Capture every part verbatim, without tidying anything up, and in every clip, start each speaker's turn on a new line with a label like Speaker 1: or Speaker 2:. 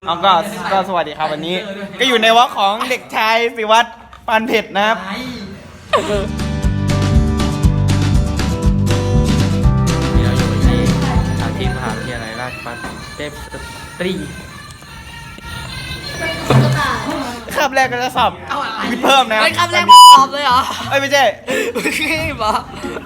Speaker 1: เอาก็ก็สวัสดีครับวันนี้ ก็อยู่ในวอล์กของเด็กชายศิวัตรปานเผ็ดนะครับ
Speaker 2: นี่เราอยู่ที่สถานที่มหาวิทยาลัยราชภัฏเทพสตรี
Speaker 1: คาบแรกก็จะสอบวิทย์เพิ่มนะ
Speaker 3: ไอ้คำแรกตอบเลยเหรอ
Speaker 1: เอ้ยไม่ใช่
Speaker 3: ขี้บอ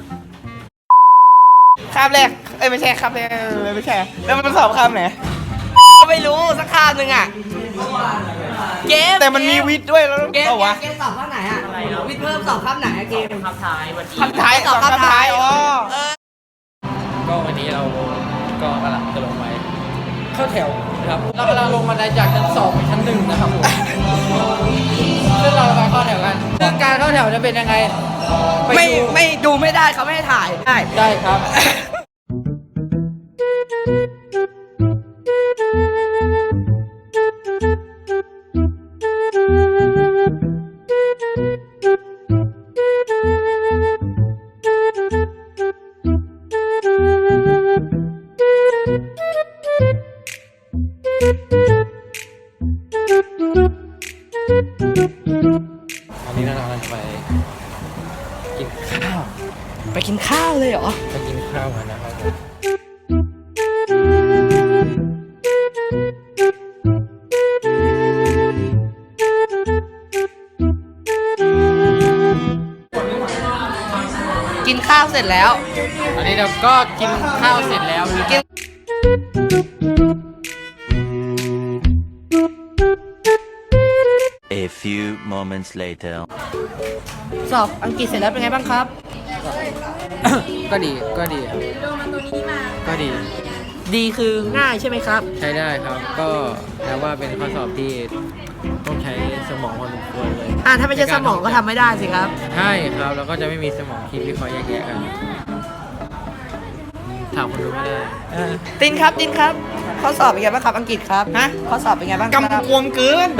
Speaker 1: คาบแรกเอ้ยไม่ใช่คาบแรกไม่ใช่แล้วมันสอบคาบไหน
Speaker 3: ก็ไม่รู้สักคำหนึ่งอ่ะเกม
Speaker 1: แต่มันมีวิทย์ด้วยแล้ว
Speaker 3: เกม
Speaker 1: เอาวะ
Speaker 3: เกมสอบข้างไหนอ่ะวิทย์เพิ่มสอบข้างไหนอะเกม
Speaker 2: คำท้ายวันนี้
Speaker 1: คำท้ายสอบคำท้ายอ๋อ
Speaker 3: เออ
Speaker 2: ก็วันนี้เราก็กำลังจะลงไปเข้าแถวนะครับเรากำลังลงมาได้จากชั้นสองไปชั้นหนึ่งนะครับผมซึ่งเราไปเข้าแถวกันซึ่งการเข้าแถวจะเป็นยังไงป
Speaker 3: ไม่
Speaker 2: ดู
Speaker 3: ไม่ดูไม่ได้เขาไม่ให้ถ่ายได้
Speaker 2: ได้ครับ อันนี้เรากำลังจะไปกินข้าว
Speaker 3: ไปกินข้าวเลยเหรอ
Speaker 2: ไปกินข้าวกันนะครับผม
Speaker 3: กินข้าวเสร็จแล้ว
Speaker 2: อันนี้เราก็กินข้าวเสร็จแล้วนะ
Speaker 3: กิน
Speaker 4: A few moments later.
Speaker 3: สอบอังกฤษเสร็จแล้วเป็นไงบ้างครับ
Speaker 2: ก็ดีก็ดีครับก็ดี
Speaker 3: ดีคือง่ายใช่ไหมครับ
Speaker 2: ใช้ได้ครับ ก็แปลว่าเป็นข้อสอบที่ต้องใช้สมองพอสมควรเลย
Speaker 3: อ่าถ้าไม่ใช่สมองก็ทำไม่ได้สิครับ
Speaker 2: ใช่ครับแล้วก็จะไม่มีสมองคิดวิเคราะห์แยกแยะกันถามคนดูไม่ได้
Speaker 3: ตินครับตินครับข้อสอบเป็นไงบ้างครับอังกฤษครับฮะข้อสอบเป็นไงบ้างครับ
Speaker 1: กำกวมเกิน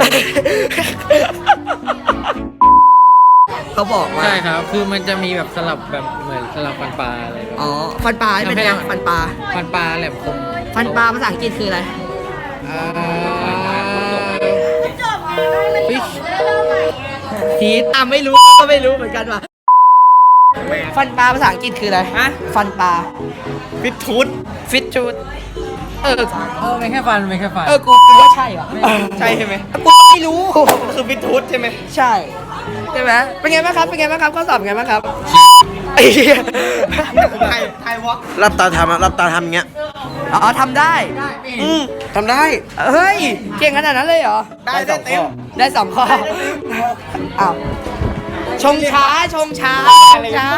Speaker 3: เขาบอกว่า
Speaker 2: ใช่ครับ คือมันจะมีแบบสลับแบบเหมือนสลับฟันปลาอะไรแบบ
Speaker 3: อ๋อฟันปลาเป็นยังฟันปลา
Speaker 2: ฟันปลาแหลมคม
Speaker 3: ฟันปลาภาษาอังกฤษคืออะไร
Speaker 2: ฟิช
Speaker 3: ทีสอ่ะไม่รู้ก็ไม่รู้เหมือนกันว่ะฟันปลาภาษาอังกฤษคืออะไรฮะฟันปลา
Speaker 1: ฟิตทูด
Speaker 3: ฟิตชูดเออ
Speaker 2: เออไม่แค่ฟันไม่แค่ฟัน
Speaker 3: เออกูกูว่าใช่ว่ะ
Speaker 1: ใช่ใช่ไหม
Speaker 3: กูก็ไม่รู้
Speaker 1: คือฟิตทูดใช่ไหม
Speaker 3: ใช่ใช่ไหมเป็นไงบ้างครับเป็นไงบ้างครับข้อสอบเป็นไงบ้างครับไอ้เหี้ย
Speaker 1: ไทยไทยวอล์ก
Speaker 5: รับตาทำอะรับตาทำอย่างเงี้ย
Speaker 3: อ๋อทำได้
Speaker 5: อืมทำได้
Speaker 3: เฮ้ยเก่งขนาดนั้นเลยเหรอ
Speaker 1: ได้ได้เต็ม
Speaker 3: ได้สองข้ออ้าวชงช้าชงช้าชงช้า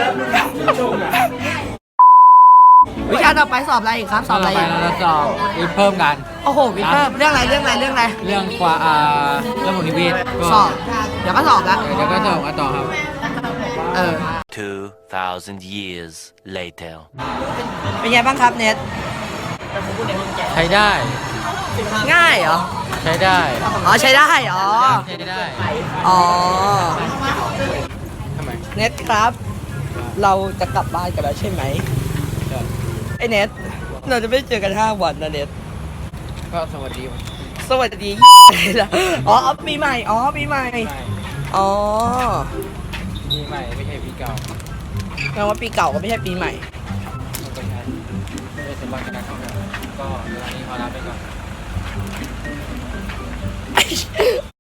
Speaker 3: วิชาต่อไปสอบอะไรอีกครับ ส
Speaker 2: ต่
Speaker 3: อ
Speaker 2: อบ
Speaker 3: อะไร
Speaker 2: ไป
Speaker 3: อีก
Speaker 2: เราจะสอบวิทย์เพิ่มกัน
Speaker 3: โอ้โหวิทย์เพิ่มเรื่องอะไรเรื่องอะไรเรื่องอะไร
Speaker 2: เรื่องกว่าอ่าเรื่องของนิเวศก็
Speaker 3: สอบ เดี๋ยวก็สอบแล้ว
Speaker 2: เดี๋ยวก็สอบกันต่อครับ
Speaker 3: เออ
Speaker 4: Two thousand years later.
Speaker 3: เป็นไงบ้างครับเน็ต
Speaker 2: ใช้ได้
Speaker 3: ง่ายเหรอ
Speaker 2: ใช้ได้
Speaker 3: อ๋อใช้ได้อ๋อ
Speaker 2: ใช้ได้
Speaker 3: อ๋อ
Speaker 2: ทำไม
Speaker 3: เน็ตครับ เราจะกลับบ้านกันแล้วใช่ไหม
Speaker 2: ครับ
Speaker 3: ไอ้เน็ตเราจะไม่เจอกันห้าวันนะเน็ต
Speaker 2: ก็สวัสดีวัน
Speaker 3: สวัสดี อ๋อปีใหม่อ๋อปีใหม่
Speaker 2: ใหม่
Speaker 3: อ๋อ
Speaker 2: ปีใหม่ไม่ใช่ปีเก่า
Speaker 3: แปลว่าปีเก่าก็ไม่ใช่ปีใหม่
Speaker 2: มันก็ใช่ด้วยสมบัติการท่องเที่ยวก็เวลานี้ขอลาไปก่อน